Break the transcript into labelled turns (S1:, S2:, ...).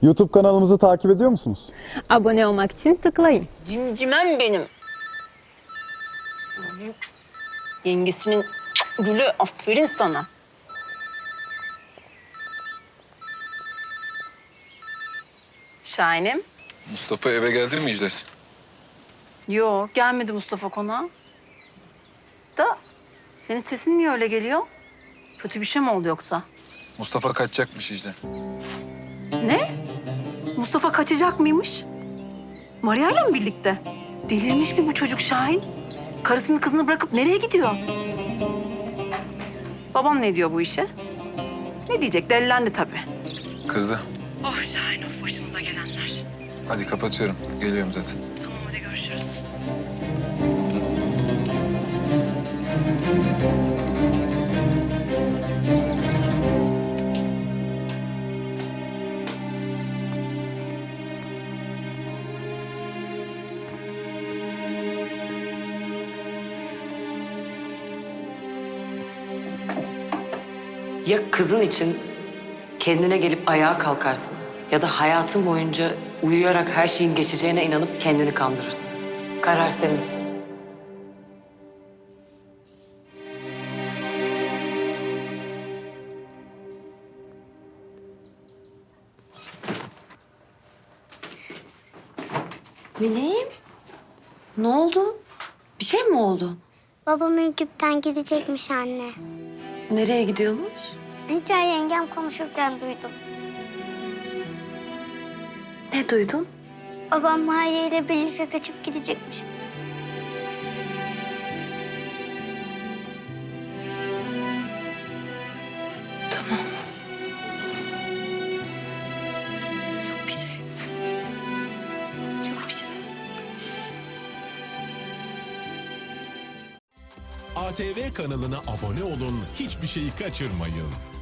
S1: YouTube kanalımızı takip ediyor musunuz?
S2: Abone olmak için tıklayın.
S3: Cimcimem benim. Yengesinin gülü, aferin sana. Şahinim.
S4: Mustafa eve geldi mi İcler?
S3: Yo, gelmedi Mustafa konağa. Da senin sesin niye öyle geliyor? Kötü bir şey mi oldu yoksa?
S4: Mustafa kaçacakmış İcler.
S3: Ne? Mustafa kaçacak mıymış? Maria'yla mı birlikte? Delirmiş mi bu çocuk Şahin? Karısını kızını bırakıp nereye gidiyor? Babam ne diyor bu işe? Ne diyecek? Delilendi tabii.
S4: Kızdı.
S3: Oh Şahin, of başımıza gelenler.
S4: Hadi kapatıyorum. Geliyorum zaten.
S3: Tamam, hadi görüşürüz.
S5: Ya kızın için kendine gelip ayağa kalkarsın ya da hayatın boyunca uyuyarak her şeyin geçeceğine inanıp kendini kandırırsın. Karar senin. Meleğim, ne oldu? Bir şey mi oldu?
S6: Babam Ürgüp'ten gidecekmiş anne.
S5: Nereye gidiyormuş?
S6: İlker yengem konuşurken duydum.
S5: Ne duydun?
S6: Babam Maria ile birlikte kaçıp gidecekmiş.
S5: Tamam. Yok bir şey. Yok bir şey.
S7: ATV kanalına abone olun, hiçbir şeyi kaçırmayın.